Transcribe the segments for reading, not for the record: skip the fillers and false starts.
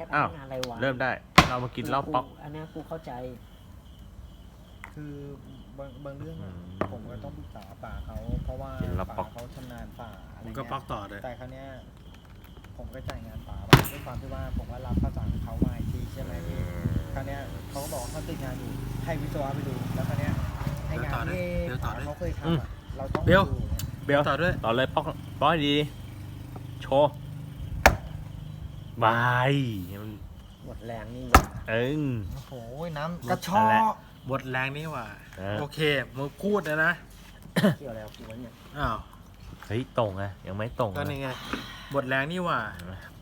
อ้าวงานอะไรวะเริ่มได้ เรามากินเหล้าป๊อกอันเนี้ยกูเข้าใจคือบางเรื่องอะผมก็ต้องปรึกษาป่าเขาเพราะว่ากินแล้วป๊อป่าก เขาชำนาญป่าอะไรผมเงี้ยก็ปักต่อเลยแต่ครั้งเนี้ยผมก็จ่ายงานป่าไปด้วยความที่ว่าผมว่ารับประสานเขามาอีกทีใช่ไหมพี่ครั้งเนี้ยเขาก็บอกว่าเขาติดงานอยู่ให้วิศวะไปดูแล้วครั้งเนี้ยไองานที่เดี๋ยวต่อด้วยเขาเคยทำอะเราต้องเบลดูเนี่ยเบลต่อด้วยต่อเลยป๊อกป๊อกให้ดี โชว์บายมันหมดแรงนี่หว่าเอิงโอ้โหน้ำหมดกระชอแล้วบทแรงนี่หว่าเออโอเคมึงพูดนะเกี่ยวอะไรกับกูวะเนี่ยอ้าวเฮ้ยตรงอะยังไม่ตรงก็นะนี่ไงบทแรงนี่หว่า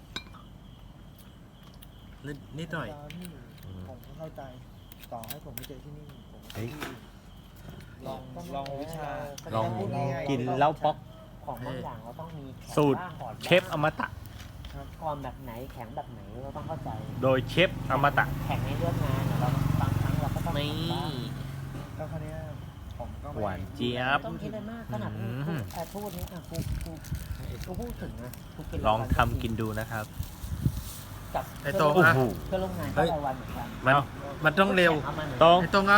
นิดหน่อยผมก็เข้าใจต่อให้ผมไม่เจอที่นี่ผมก็เฮ้ยลองวิชาลองพูดง่ายๆกินเหล้าป๊อกของบางอย่างเราต้องมีแข็งสูตรบ้างอ่อนบ้างเชฟอมตะก่อนแบบไหนแข็งแบบไหนเราต้องเข้าใจโดยเชฟอมตะแข็งในเรื่องงานอะเราบางครั้งเราก็ต้องนี่แข็งบ้างแล้วคราวเนี้ยผมก็ไม่หวานเจี๊ยบไม่ต้องคิดอะไรมากขนาดกูอืมพูดนี้อ่ะกูพูดถึงนะกูกินลองทำกินดูนะครับกับไอ้โต้งโอ้อ่ะโหเพื่อนร่วมงานก็รายวันเหมือนกันมันต้องเร็วอามาหน่อยตรงไอ้ตรงเอา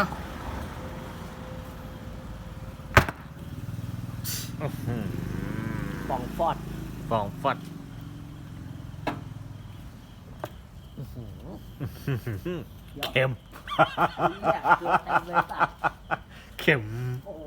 ฟองฟอดฟองฟอดอื้อหือเค็มเนี่ยเกลือเต็มเลยสัตว์เค็มโอ้โห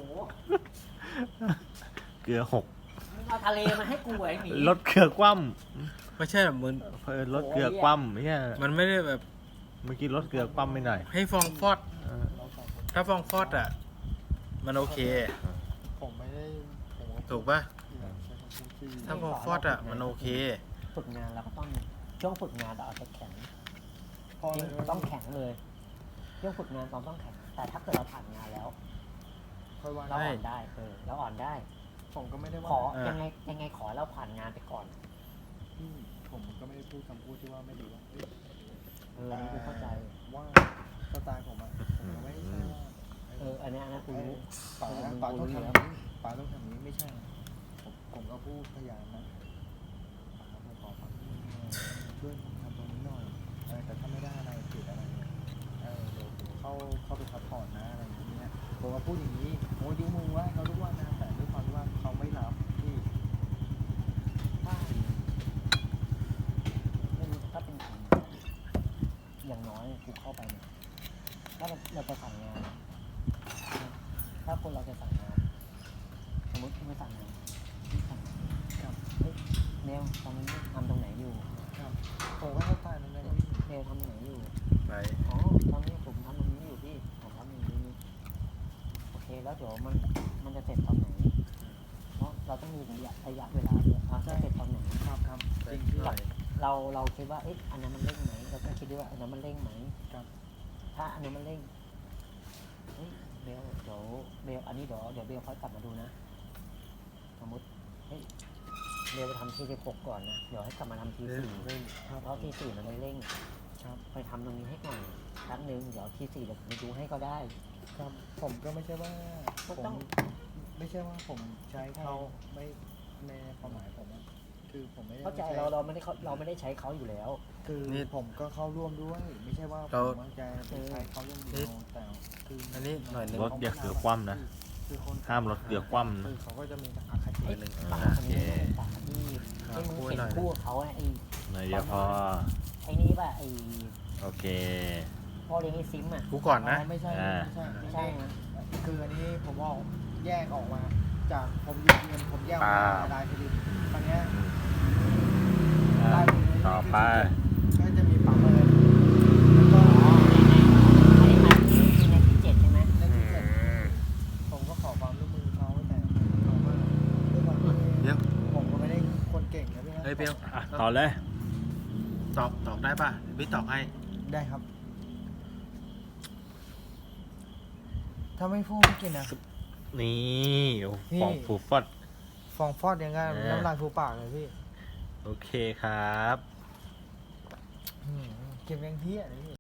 เกลือหกมึงเอาทะเลมาให้กูไอ้หมีลดเกลือคว่ไม่ใช่แบบมึงำลดเกลือคว่ำเนี่ยมันไม่ได้แบบเมื่อกี้ลดเกลือคว่ำไม่หน่อยให้ฟองฟอดเออถ้าฟองฟอดอ่ะ มันโอเคผมไม่ได้ผมก็ถูกป่ะใช้คำพูดที่ถ้าฟองฟอดอ่ะ มันโอเคฝึกงานเราก็ต้องช่วงฝึกงานเราเอาแต่แข็งพอจริเลงยต้องแข็งเลยช่วงฝึกงานเราต้องแข็งแต่ถ้าเกิดเราผ่านงานแล้วค่อยว่าเราอ่อนได้เราอ่อนได้ผมก็ไม่ได้ขอว่าเออยังไงขอให้เราผ่านงานไปก่อนที่ผมก็ไม่ได้พูดคำพูดที่ว่าไม่ดีว่าเอ้ยอันนี้กูเข้าใจว่าสไตล์ผมอะผมก็ไม่ใช่ว่าอันนี้กูรู้ป๋ามึงป๋ากูต้องรู้ทำอยู่อแล้วย่างนี้ป๋าต้องทำอย่างนี้ไม่ใช่นะผมก็พูดพยายามนะป๋าผมขอฟังช่วยผมทำตรงนี้หน่อยแต่ถ้าไม่ได้อะไรผิดอะไรเนี่ยเดี๋ยวผมเข้าไปซัพพอร์ตนะอะไรอย่างเงี้ยผมก็พูดอย่างนี้โอ้ยดิ้วมึงว่าเขาทุกวันนะแต่ด้วยความที่ว่าเขาไม่รับที่ถ้าไม่รู้ถ้าเป็นคนอย่างน้อยกูเข้าไปเนี่ยถ้าเราจะสั่งงาน ถ้าคนเราจะสั่งงานสมมติคุณไปสั่งงานที่สั่งครับเฮ้ยเนวตอนนี้ทำตรงไหนอยู่ครับผมก็เข้าใจตรงนั้นพี่เนวทำตรงไหนอยู่ไปอ๋อตอนนี้ผมทำตรงนี้อยู่พี่ผมทำอย่างนี้โอเคแล้วเดี๋ยวมันจะเสร็จตอนไหนเพราะเราต้องมีระยะเวลาด้วยจะเสร็จตอนไหนครับครับไปจริงพี่หน่อยเราคิดว่าเอ๊ะอันนั้นมันเร่งไหมเราต้องคิดด้วยว่าอันนั้นมันเร่งไหมครับถ้าอันนั้นมันเร่งเฮ้ยเบลเดี๋ยวเบลอันนี้เดี๋ยวเบลค่อยกลับมาดูนะสมมติเฮ้ยเบลไปทำที16ก่อนนะเดี๋ยวให้กลับมาทำที4 เล่นครับเพราะที4มันไม่เร่งครับไปทำตรงนี้ให้ก่อนแป๊บนึงเดี๋ยวที4เดี๋ยวผมไปดูให้ก็ได้ครับผมก็ไม่ใช่ว่าก็ผมต้องไม่ใช่ว่าผมใช้เขาไม่ในความหมายผมอะคือผมไม่ได้เข้าใจใช้เราไม่ได้ใช้เขาอยู่แล้วคือนี่ผมก็เข้าร่วมด้วย ไม่ใช่ว่าผเรามวางใจไปใช้เขาเรื่องเดียวแต่คืออันนี้หน่อยหนึ่งลดเกลือคว่ำนะคือคนห้ามลดเกลือคว่ำนะคือเขาก็จะมีอคติไอ้หนึ่งปากโอคนเคนี้ปากที่ไอ้มึงพูดเห็นหน่อยคู่กับเขาอะไอ้หน่อยเดียวพอไอ้นี่ป่ะไอ้โอเคพ่อเลี้ยงไอ้ซิมอ่ะกูก่อนนะไม่ใช่อ่าไม่ใช่ไม่ใช่นะคืออันนี้ผมออกแยกออกมา จากผมอยู่เงินผมแยกออกมาลายผลิตตอนเนี้ยอ่ะลายผลิตต่อไปก็จะมีปั๊มเลยแล้วก็ไอ้ที่ในที่7ใช่ไหมในที่เจ็ดผมก็ขอความร่วมมือเขาแต่เขาว่าด้วยความที่เดี๋ยวผมก็ไม่ได้คนเก่งนะพี่นะเฮ้ยเบลอ่ะต่อเลยตอกได้ป่ะพี่ตอกให้ได้ครับ ถ้าไม่พูดไม่กินนะนี่โอ้นี่ฟองฟูฟอดฟองฟอดยังไงเออน้ำลายฟูปากเลยพี่โอเคครับเก็บยังเที่ยเลยพี่